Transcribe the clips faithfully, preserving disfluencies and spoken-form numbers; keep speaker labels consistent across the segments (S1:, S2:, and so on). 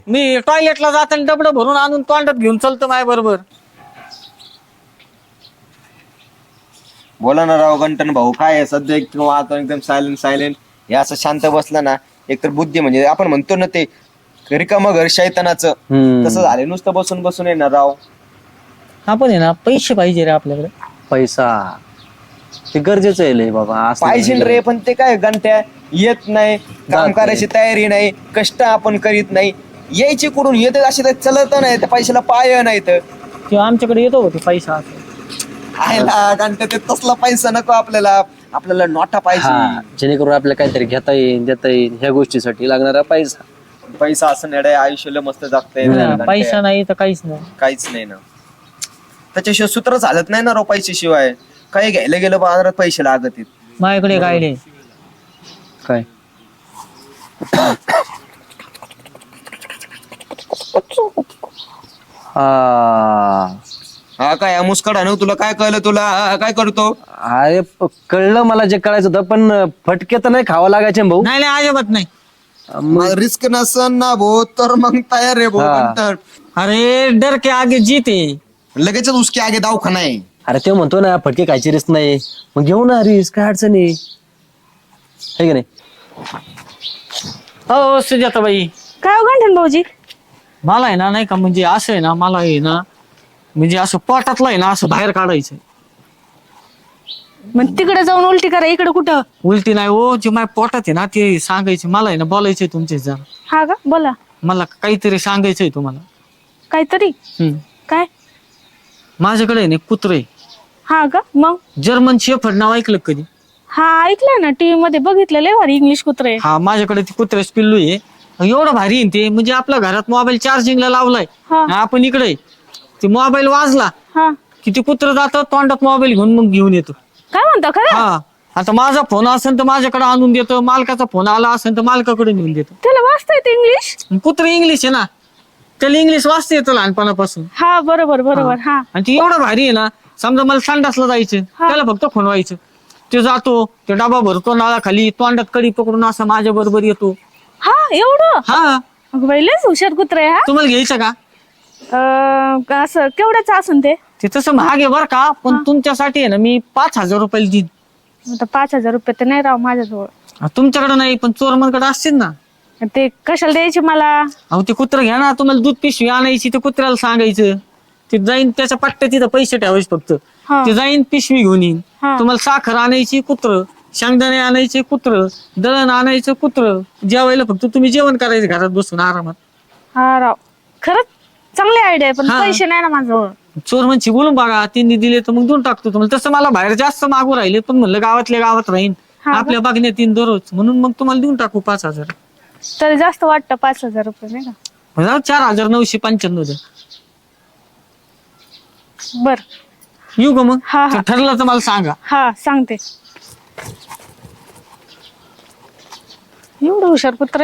S1: मी टॉयलेटला जाताना डबडं भरून आणून तोंडात घेऊन चालतो माझ्या बरोबर.
S2: बोला ना राव गंटन भाऊ, काय आहे सध्या एक आता एकदम सायलेंट सायलेंट हे असं शांत बसलं ना, एकतर बुद्धी म्हणजे आपण म्हणतो ना ते रिकामं घर शैतानाचं, तसं झालं नुसतं बसून बसून येणार राव.
S1: आपण आहे ना पैसे पाहिजे रे आपल्याकडे.
S3: पैसा ते गरजेचं आहे लय बाबा. असं
S2: पाहिजे रे, पण ते काय गंट्या येत नाही, काम
S3: नाही.
S2: करायची तयारी नाही, कष्ट आपण करीत नाही, यायचे कुठून येते असे तर चलत नाही, त्या पैशाला पाय नाही तर
S1: किंवा आमच्याकडे येतो होते पैसा असं.
S2: आहे ना गंट्या, ते तसला पैसा नको आपल्याला, आपल्याला नोटा
S3: हा,
S2: पाहिजे.
S3: जेणेकरून आपल्याला काहीतरी घेता येईल देता येईल ह्या गोष्टीसाठी लागणारा पैसा.
S2: पैसा असं नेडे आयुष्याला मस्त जगता येईल
S1: हा,
S2: गंट्या.
S1: पैसा नाही तर काहीच नाही.
S2: काहीच नाही ना, त्याच्याशिवाय सूत्र चालत नाही ना राव. पैशाशिवाय काही घ्यायला गेलं बाजारात पैसे लागत आहेत.
S1: माझ्याकडे काय नाही.
S3: काय हा
S2: हा काय मुस्कडा ना, तुला काय कळलं? तुला हा, काय करतो?
S3: अरे प- कळलं मला जे कळायचं होतं, पण फटके तर नाही खावं लागायचे ना भाऊ.
S1: नाही नाही अजिबात नाही.
S3: मग
S2: रिस्क नसन ना भो, तर मग तयार आहे भो.
S3: हा.
S2: पण
S1: अरे डर के आगे जीते.
S2: लगेच उसके आगे दवाखाना आहे.
S3: अरे ते म्हणतो ना फटके खायची रिस्क नाही, मग घेऊ ना रिस्क, काय अडचण आहे है की नाही.
S1: हो सुजाताबाई,
S4: काय हो गंठन भाऊजी?
S1: मला आहे ना नाही का म्हणजे असं आहे ना, मला आहे ना म्हणजे असं पोटातलं आहे ना असं बाहेर काढायचं.
S4: मग तिकडे जाऊन उलटी करा, इकडे कुठं?
S1: उलटी नाही हो, जे माझ्या पोटात आहे ना ते सांगायचे. मला आहे ना बोलायचंय तुमचे जरा.
S4: हा का, बोला.
S1: मला काहीतरी सांगायचंय तुम्हाला.
S4: काहीतरी
S1: हम्म.
S4: काय?
S1: माझ्याकडे आहे ना कुत्रे,
S4: हा का, मग?
S1: जर्मन शेफर्ड नाव ऐकलं का कधी?
S4: हा ऐकलंय ना, टीव्ही मध्ये बघितलेलं भारी इंग्लिश कुत्रे.
S1: हा, माझ्याकडे ते कुत्र्याच पिल्लू आहे. एवढं भारी आहे ना ते, म्हणजे आपल्या घरात मोबाईल चार्जिंगला लावलाय,
S4: हा.
S1: आपण इकडे ते मोबाईल वाजला
S4: हा,
S1: की ते कुत्र जातं तोंडात मोबाईल घेऊन मग घेऊन येतो.
S4: काय म्हणता खरं?
S1: हा, आता माझा फोन असेल तर माझ्याकडे आणून देतो, मालकाचा फोन आला असेल तर मालकाकडे नेऊन देतो.
S4: त्याला वाचता येते इंग्लिश?
S1: कुत्र इंग्लिश आहे ना, त्याला इंग्लिश वाचता येतं लहानपणापासून.
S4: हा बरोबर बरोबर. हा
S1: आणि ती एवढं भारी आहे ना, समजा मला संडासला जायचं,
S4: हा.
S1: त्याला फक्त फोन व्हायचं, ते जातो, ते डबा भरतो नाळाखाली, तोंडात कडी पकडून असा माझ्या बरोबर येतो.
S4: हा एवढं?
S1: हा,
S4: अगं बाई, लयच हुशार कुत्रे हा.
S1: तुम्हाला घ्यायचं का?
S4: अं, असं केवढ्याच असन ते?
S1: ते तसं महाग आहे बरं का, पण तुमच्यासाठी आहे ना मी पाच हजार रुपयाला देईन.
S4: आता पाच हजार रुपये तर नाही राव माझ्याजवळ.
S1: हा, तुमच्याकडे नाही पण चोरमनकडे असतील ना.
S4: ते कशाला द्यायचे मला?
S1: अहो ते कुत्र घ्या ना, तुम्हाला दूध पिशवी आणायची, ते कुत्र्याला सांगायचं, ते जाईन त्याच्या पट्ट्या तिथं पैसे ठेवायचे फक्त.
S4: हा.
S1: ते जाईन पिशवी घेऊन येईन.
S4: हा.
S1: तुम्हाला साखर आणायची कुत्र, शेंगदाणे आणायचे कुत्र, दळण आणायचं कुत्र, जेवायला फक्त तुम्ही जेवण करायचं घरात बसून आरामात.
S4: हा राव, खरंच चांगली आयडिया आहे, पण
S1: हा.
S4: पैसे नाही ना माझ्याजवळ.
S1: चोर म्हणजे बोलून बघा, त्यांनी दिले तर मग देऊन टाकतो तुम्हाला. तसं मला बाहेर जास्त मागू राहिले, पण म्हणलं गावातल्या गावात राहीन,
S4: हा का?
S1: आपल्या बघण्यात येईन दररोज, म्हणून मग तुम्हाला देऊन टाकू पाच हजार.
S4: तरी जास्त वाटतं पाच हजार रुपये नाही का?
S1: म्हणजे चार हजार नऊशे पंच्याण्णव द्या.
S4: बर.
S1: येऊ का मग?
S4: हा, हा.
S1: तर ठरलं तर मला सांगा.
S4: हा सांगते. एवढं हुशार कुत्रे.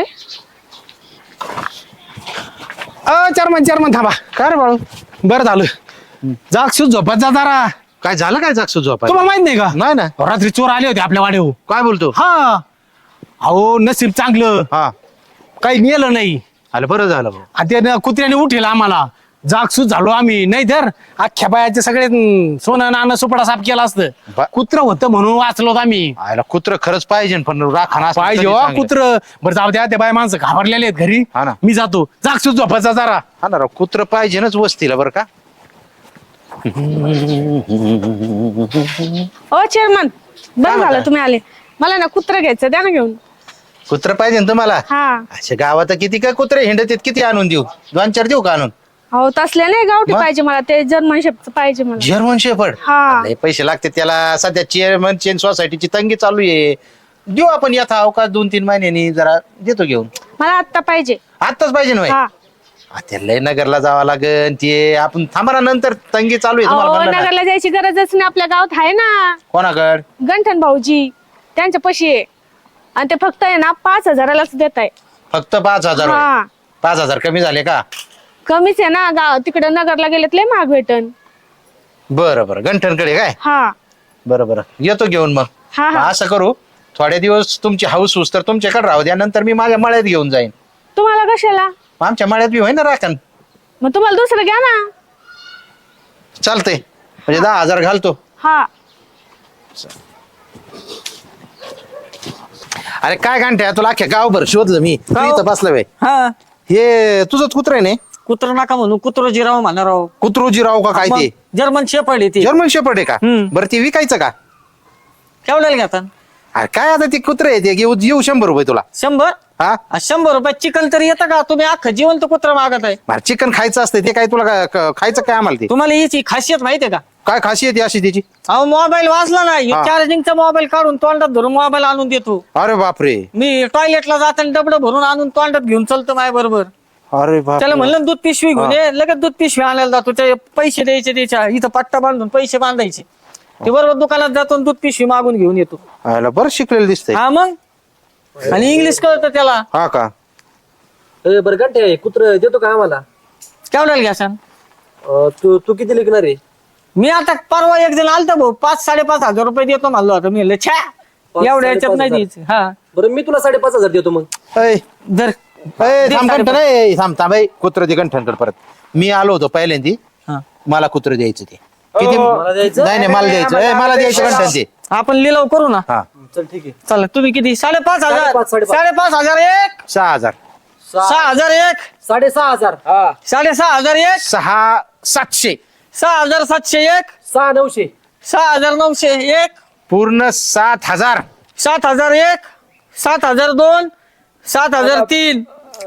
S5: अ चेअरमन चेअरमन थांबा. काय रे बाळू, बरं झालं जागसूत झोपत जा जरा.
S6: काय झालं काय जागसूत झोपाय?
S5: तुम्हाला माहित नाही का?
S6: नाही ना.
S5: रात्री चोर आले होते आपल्या वाड्यावर.
S6: काय बोलतो?
S5: हा, अहो नसीब चांगलं,
S6: हा,
S5: काही नेलं नाही.
S6: आलं बरं झालं भाऊ.
S5: आणि त्यानं कुत्र्याने उठेल आम्हाला, जागसूत झालो आम्ही. नाही तर अख्ख्या बायाचे सगळे हम्म, सोनं नाणं सुपडा साफ केला असतं.
S6: बा-
S5: कुत्र होतं म्हणून वाचलो आम्ही.
S6: आयला कुत्र खरंच पाहिजे, पण राखण असलं
S5: पाहिजे
S6: तरी
S5: हो
S6: चांगलं.
S5: कुत्र. बरं जाऊ द्या, ते बाय माणसं घाबरलेले आहेत घरी.
S6: हा ना.
S5: मी जातो, जागसूत झोपायचा जरा.
S6: हा ना राव, कुत्र पाहिजेच वस्तीला बरं का.
S4: ओ चेअरमन, बरं झालं तुम्ही आले. मला ना कुत्र घ्यायचं, द्या ना घेऊन.
S6: कुत्र पाहिजे ना तुम्हाला?
S4: हा.
S6: अशा गावात किती काय कुत्रे हिंडत आहेत, किती आणून देऊ? दोन चार देऊ का आणून?
S4: हो तसले नाही गावठी
S6: मग?
S4: पाहिजे मला, ते जर्मन शेपचं पाहिजे मला.
S6: German shepherd.
S4: हा.
S6: लय पैसे लागते त्याला. सध्या चेअरमन चेन सोसायटीची तंगी चालू आहे. देऊ आपण यथा अवकाश दोन तीन महिन्यांनी, जरा देतो घेऊन.
S4: मला आत्ता पाहिजे.
S6: आत्ताच पाहिजे ना भाई?
S4: हा.
S6: आ, ते लय नगरला जावं लागेल, ते आपण थांबा नंतर तंगी चालू आहे तुम्हाला
S4: अहो
S6: म्हणलं ना.
S4: नगरला जायची गरजच नाही, आपल्या गावात आहे ना
S6: कोणाकड?
S4: गंठन भाऊजी, त्यांच्या पशी आहे. आणि ते फक्त आहे ना पाच हजारालाच देत आहे.
S6: फक्त पाच हजार होय?
S4: हा.
S6: पाच हजार कमी झाले का?
S4: कमीच आहे ना, गाव तिकडे नगरला गेलेत लय महाग भेटन.
S6: बरं बरं, गंठनकडे काय?
S4: हा
S6: बरं बरं, येतो घेऊन मग.
S4: हा
S6: मग
S4: हा.
S6: असं करू, थोडे दिवस तुमची हाऊस होस तर तुमच्याकडे राहू द्या, नंतर मी माझ्या मळ्यात घेऊन जाईन.
S4: तुम्हाला कशाला?
S6: आमच्या माळ्यात बी होय ना राखण.
S4: मग तुम्हाला दुसरं घ्या ना.
S6: चालतंय म्हणजे दहा हजार घालतो.
S4: हा
S6: अरे काय घंट्या तुला अख्ख्या गावभर शोधलं मी तू
S1: गाव?
S6: इथं बसलं बाई.
S1: हा
S6: हे तुझंच कुत्र आहे ना?
S1: कुत्र नका म्हणू कुत्र जिराव म्हणा राव.
S6: कुत्रोजी राव का काय ते?
S1: जर्मन शेपर्ड आहे ती.
S6: जर्मन शेपर्ड आहे का?
S1: हम्म.
S6: बरं ते विकायचं का?
S1: केवढ्याला घेता?
S6: अरे काय आता ते कुत्रे आहे ते घेऊ येऊ शंभर रुपये तुला.
S1: शंभर
S6: हा
S1: आ, शंभर रुपयात चिकन तरी येतं का? तुम्ही अख्खं जिवंत कुत्र मागत आहे.
S6: बरं चिकन खायचं असतं ते काय तुला काय- क- खायचं काय आम्हाला ते?
S1: तुम्हाला याची खासियत माहितीये का?
S6: काय खासियत आहे अशी त्याची?
S1: अहो मोबाईल वाचला नाही
S6: हा.
S1: चार्जिंगचा मोबाईल काढून तोंडात धरून मोबाईल आणून देतो.
S6: अरे बापरे.
S1: मी टॉयलेटला जाताना डबडं भरून आणून तोंडात घेऊन चलतो माझ्या बरोबर.
S6: अरे बाप
S1: त्याला म्हणलं ना दूध पिशवी घेऊन ये लगेच दूध पिशवी आणायला जातो. ते पैसे द्यायचे त्याच्या इथं पट्टा बांधून पैसे बांधायचे. ते बरोबर दुकानात जातो आणि दूध पिशवी मागून घेऊन येतो.
S6: बरं शिकलेलं दिसतंय.
S1: हा मग आणि इंग्लिश कळतं त्याला.
S6: हा का?
S3: ए, बरं घंटे कुत्र देतो का आम्हाला?
S1: केवढ्याला घ्या सांग?
S3: अं, तू तू किती लिखणार आहे?
S1: मी आता परवा एक जण आलता भाऊ पाच साडेपाच हजार रुपये देतो म्हणलो आता. मी म्हणलं छ्या एवढ्या याच्यात नाही द्यायचं. हा
S3: बरं मी तुला साडेपाच हजार देतो मग.
S6: ऐ,
S1: जर
S6: ऐ,
S1: दे
S6: थांब
S1: साडेपाच.
S6: कंठन, ऐ, थांब थांब ऐ, कुत्र दे गंठन परत. मी आलो होतो पहिल्यांदी
S1: हा.
S6: मला कुत्र द्यायचं ते किती?
S3: मला द्यायचं?
S6: नाही नाही मला द्यायचं ऐ, मला द्यायचं गंठन ते.
S1: आपण लिलाव करू ना.
S6: हा
S3: चल ठीक आहे.
S1: चला तुम्ही किती? साडेपाच हजार
S3: साडेपाच, साडेपाच.
S1: साडेपाच हजार एक
S6: सहा हजार
S1: सहा हजार एक
S3: साडेसहा हजार. हा
S1: साडेसहा हजार एक
S6: सहा सातशे
S1: सहा हजार सातशे एक
S3: सहा नऊशे.
S1: सहा हजार नऊशे एक
S6: पूर्ण सात हजार.
S1: सात हजार एक सात हजार दोन सात हजार तीन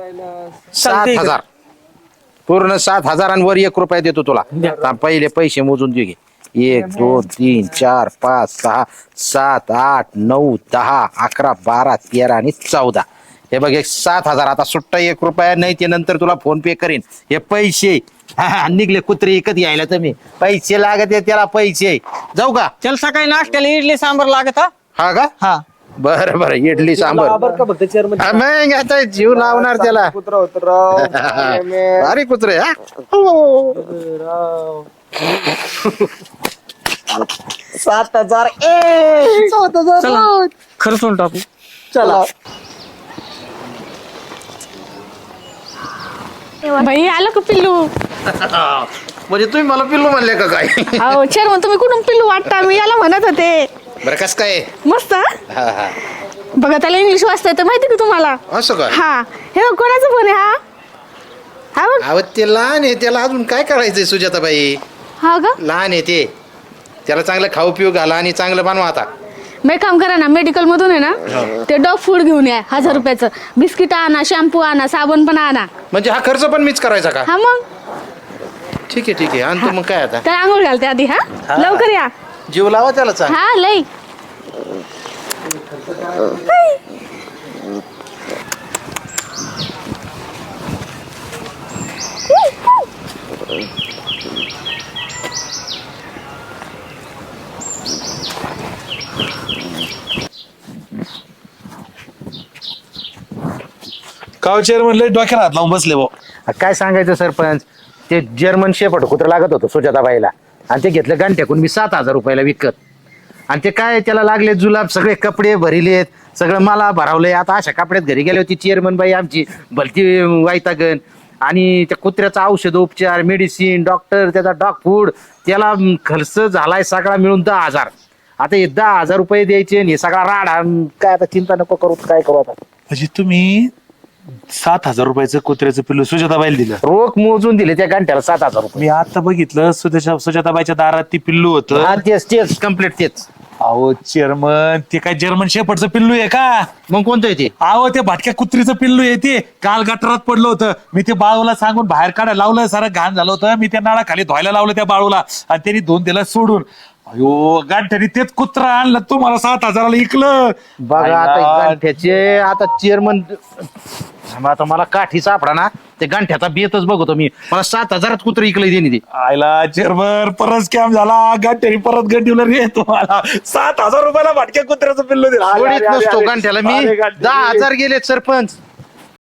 S6: सात
S1: चालतंय.
S6: हजार पूर्ण सात हजारांवर एक रुपया देतो तुला. थांब, पहिले पैसे मोजून दे घे. एक दोन तीन चार पाच सहा सात आठ नऊ दहा अकरा बारा तेरा आणि चौदा. हे बघ एक सात हजार. आता सुट्टा एक रुपया नाही ते नंतर तुला फोन पे करीन. हे पैसे हा, हा, निघले कुत्रे एकच यायला तुम्ही पैसे लागत आहे त्याला पैसे. जाऊ का?
S1: त्याला सकाळी नाश्त्याला इडली सांबर लागत हा
S6: हा का?
S1: हा
S6: बरं बरं इडली सांबर.
S3: बरं का फक्त चेअरमन.
S6: हा, मग आता जीव लावणार त्याला.
S2: कुत्रा होत राव.
S6: अरे कुत्रे हा
S2: सात हजार
S1: चला खर्चून टाकू.
S2: चला.
S4: भाई आलं का पिल्लू?
S6: म्हणजे तुम्ही मला पिल्लू म्हणले का काय?
S4: अहो चेअरमन तुम्ही कुठून पिल्लू वाटता? मी याला म्हणत होते.
S6: बरं कस काय?
S4: मस्त हा?
S6: हा, हा.
S4: बघा त्याला इंग्लिश वाचता येतं माहिती का तुम्हाला?
S6: असं का?
S4: हा हे बघ, कोणाचं फोन आहे हा? हा बघ.
S6: अहो ते लहान आहे त्याला अजून काय करायचंय सुजाताबाई?
S4: हा का?
S6: लहान आहे ते. त्याला चांगलं खाऊ पिऊ घाला आणि चांगलं बनवा आता.
S4: मग एक काम करा ना मेडिकल मधून आहे ना ते डॉग फूड घेऊन या हजार रुपयाचं. बिस्किट आणा शॅम्पू आणा साबण पण आणा.
S6: म्हणजे हा खर्च पण मीच करायचा का?
S4: हा मग
S6: ठीक आहे ठीक आहे आणतो मग काय आता.
S4: त्याला आंघोळ घालते आधी. हा लवकर या.
S6: जीव लावा त्याला चांग.
S4: हा लई.
S7: गाव चेअरमन लय डोक्याला हात लावून बसले भाऊ.
S6: काय सांगायचं सरपंच? ते जर्मन शेपट कुत्र लागत होतं सुजाताबाईला आणि ते घेतलं गांठ्याकून मी सात हजार रुपयाला विकत. आणि ते काय त्याला लागले जुलाब सगळे कपडे भरिलेत सगळं मला भरावलंय. आता अशा कपड्यात घरी गेली होती चेअरमन बाई आमची भलती वाईटागण. आणि त्या कुत्र्याचा औषध उपचार मेडिसिन डॉक्टर त्याचा डॉग फूड त्याला खर्च झालाय सगळा मिळून दहा हजार. आता हे दहा हजार रुपये द्यायचे आणि हे सगळा राडा. काय आता चिंता नको करू काय करू आता.
S7: म्हणजे तुम्ही सात हजार रुपयाचं कुत्र्याचं पिल्लू सुजाताबाईला दिलं.
S6: रोख मोजून दिले त्या गांठ्याला सात हजार रुपये.
S7: मी आता बघितलं सुजाता सुजाताबाईच्या दारात ती पिल्लू
S6: हा
S7: होतं.
S6: तेच तेच कम्प्लीट तेच.
S7: अहो चेअरमन ते काय जर्मन शेपर्डचं पिल्लू आहे का?
S6: मग कोणतं आहे ते?
S7: अहो ते भाटक्या कुत्रीचं पिल्लू आहे ते. काल गटारात पडलं होतं. मी ते बाळूला सांगून बाहेर काढायला लावलं सारं घाण झालं होतं. मी त्या नाळाखाली धुवायला लावलं त्या बाळूला आणि त्यांनी धुवून दिलं सोडून. अयो गांठ्याने तेच कुत्रा आणलं तुम्हाला सात हजाराला इकलं.
S6: बघा आता गांठ्याचे आता चेअरमन आता मला काठी सापडा ना ते गांठ्याचा बेतच बघतो मी. मला सात हजारात कुत्र इकलं देणे ते.
S7: आयला चेअरमन परत स्कॅम झाला. गांठ्याने परत गंडीवलं रे तुम्हाला सात हजार रुपयाला भाटक्या कुत्र्याचं पिल्लू दिलं.
S6: सोडीत नसतो गांठ्याला मी. दहा हजार गेले सरपंच.